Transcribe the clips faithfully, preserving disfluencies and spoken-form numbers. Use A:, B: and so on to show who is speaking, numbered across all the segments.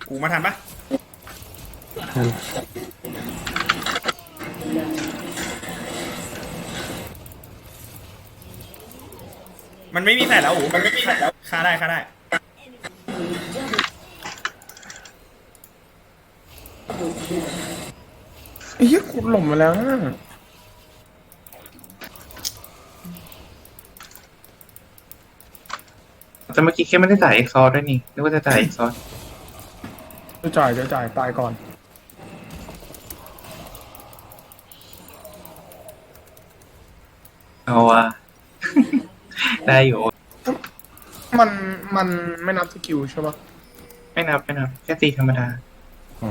A: กูมาทันปะมันไม่มีแผลแล้วอูมันไม่มีแผลแล้วฆ่าได้ฆ่าได้
B: ไอ้เหี้ยกูหล่มมาแล้วนะ
C: แต่เมื่อกี้แค่ไม่ได้จ่ายเอ็กซอร์ด้วยนี่นึกว่าจะจ่ายเอ็กซอร์
B: จะจ่ายจะจ่ายตายก่อน
C: เอาว่ะ ได้อยู่
B: มันมันไม่นับสกิลใช่ปะ
C: ไม่นับไม่นับแค่ตีธรรมดา
B: อ๋อ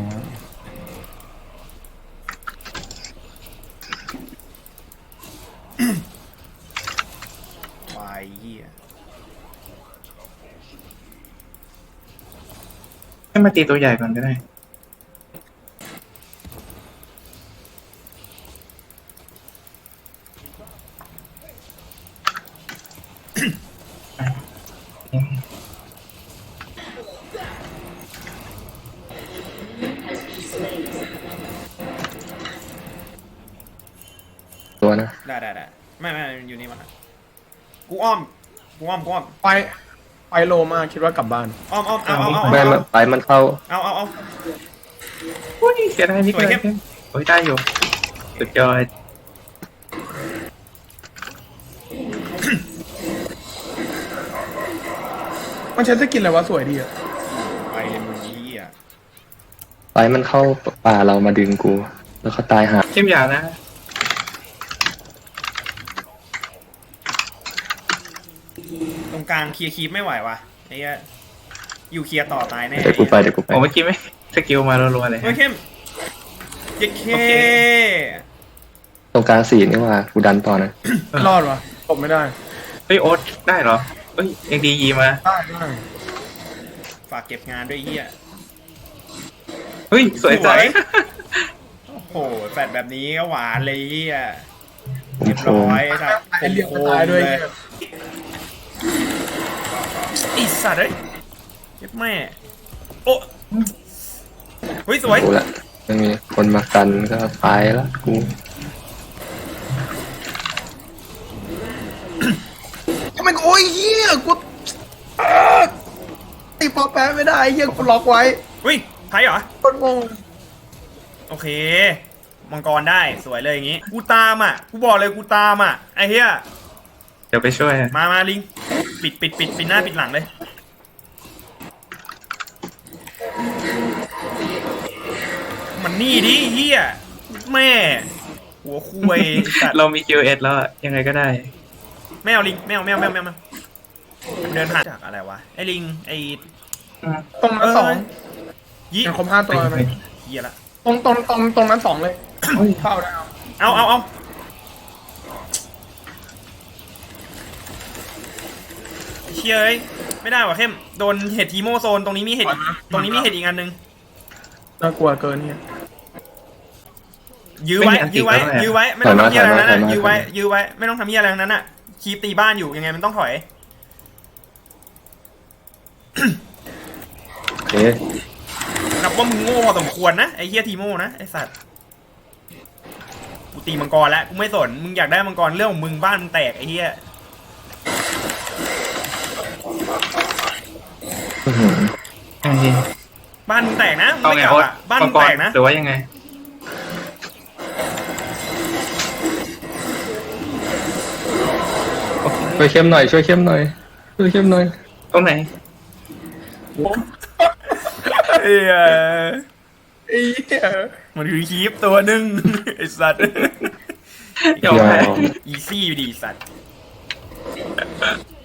A: วายเหี้ย
C: ให้มาตีตัวใหญ่ก่อนก็ได้
D: ตัวนะ
A: ได้ได้ได้ไม่ไม่อยู่นี่มันอะกูอ้อมกูอ้อมกูอ้อม
B: ไปไปโลมาคิดว่ากลับบ้าน
A: อ้อมอ้อมเอาเอาเอา
D: ไม่มันไปมันเข้า
A: เอาเอาเอา
C: อุ้ยเสียดายนิด
A: สวย
C: เล
A: เข้
C: ย
A: ม
C: โอ้ยได้อยู่สุดยอด
B: มันใช้สกินอะไรวะสวยดีอะ
A: ไปเลยมึงเหี้ย
D: ไปมันเข้าป่าเรามาดึงกู แล้วเขาตายหา
C: เข้มยาวนะ
A: ตรงกลางเคลียร์คีปไม่ไหววะไอ้เหี้ยอยู่เคลียร์ต่อตายแน่
D: เดี๋ยวกูไปเดี๋ยวกูไป
C: โอ้เมื่อกี้ไม่สกิลมารัวๆเลย
A: เฮ้ยเข้มเย็ดเค
C: โอเค
D: ตรงกลางสี่นี่ว่ากูดันต่อนะ
B: ไม่รอดวะตบไม่ได้
C: เฮ้ยโอ๊ตได้เหรอเฮ้ยยังดียีมา
B: ได้ได้
A: ฝากเก็บงานด้วยไอ้เหี้ย
C: เฮ้ยสวยใจ
A: โอ้โหแฟดแบบนี้ก็หวานเลยไอ้เหี้ย
D: ผม
A: เรียบ
D: โค
A: ร้
D: ม
A: อยไอ้สัตว์
B: ไอเรียก
A: โค
B: ตาย
A: ม
B: ด้วย
A: เลยไอ้สัตว์เอ้ยเจ็บแม่โอ้เฮ้ยสวย
D: กูละไม่มีคนมากันก็ตายแล้วกู
B: ทำไมกูโอ้ยเหี้ยกูอ้าตีปอแปะไม่ได้เหี้ยกูล็อกไว้
A: เฮ้ยไทยเหรอ
B: คนงง
A: โอเค มังกรได้สวยเลยอย่างงี้ กูตามอ่ะ กูบอกเลยกูตามอ่ะ ไอ้เหี้ย
C: เดี๋ยวไปช่วย
A: มามาลิง ปิดปิดปิดปิดหน้าปิดหลังเลย มันนี่ดิเหี้ย แม่ หัวคุยสัตว์
C: เรามี คิว เอส แล้วอะยังไงก็ได้
A: ไม่เอาลิงไม่เอาไม่เอาไม่เอาไม่เอาเดินผ่านจากอะไรวะ ไอ้ลิง ไอ้
B: ตรงนั้นสอง
A: ยี่
B: ยังครบห้าตัวไหม
A: เหี้ยละ
B: ตรงตรงตรงตรงนั้นสองเลยเข้าได้เอา
A: เอาเอาเอาเชี่ยเอ้ยไม่ได้ว่ะเข้มโดนเห็ดทีโมโซนตรงนี้มีเห็ดตรงนี้มีเห็ดอีกอันนึง
B: น่ากลัวเกินเนี่ย
A: ยื้อไว้
C: ไม่มีอันติ
A: ยื้อไว้
C: แล้วเนี่ย
A: ยื้อไว้ไม่ต้องทำเหี้ยอะไรทั้งนั้นน่ะยื้อไว้ยื้อไว้ไม่ต้องทำเหี้ยอะไรทั้งนั้นอ่ะคีบตีบ้านอยู่ยังไงมันต้องถอย
D: โอเค
A: นับว่ามึงโง่พอสมควรนะไอ้เฮียทีโมนะไอ้สัตว์กูตีมังกรแล้วกูไม่สนมึงอยากได้มังกรเรื่องของมึงบ้านมึงแตกไอ้เฮีย
D: อื้อหือ
C: ยังไง
A: บ้านมึงแตกนะมึง
C: เอา
A: ไม่
C: ไง
A: กลับ
C: โอ๊ต
A: อ่ะบ้านมึง
C: มั
A: แต
C: ก
A: กนะ
C: หรือว่ายังไง
D: ช่วยเข้มหน่อยช่วยเข้มหน่อยช่วยเข้มหน่อย
C: ตรงไหน
A: เอ้ย
B: ไอ้เหี้ย
A: มันคือคีปตัวหนึ่งไอ้สัตว์
C: ยอมแพ้
A: อีซี่อยู่ดีสัตว์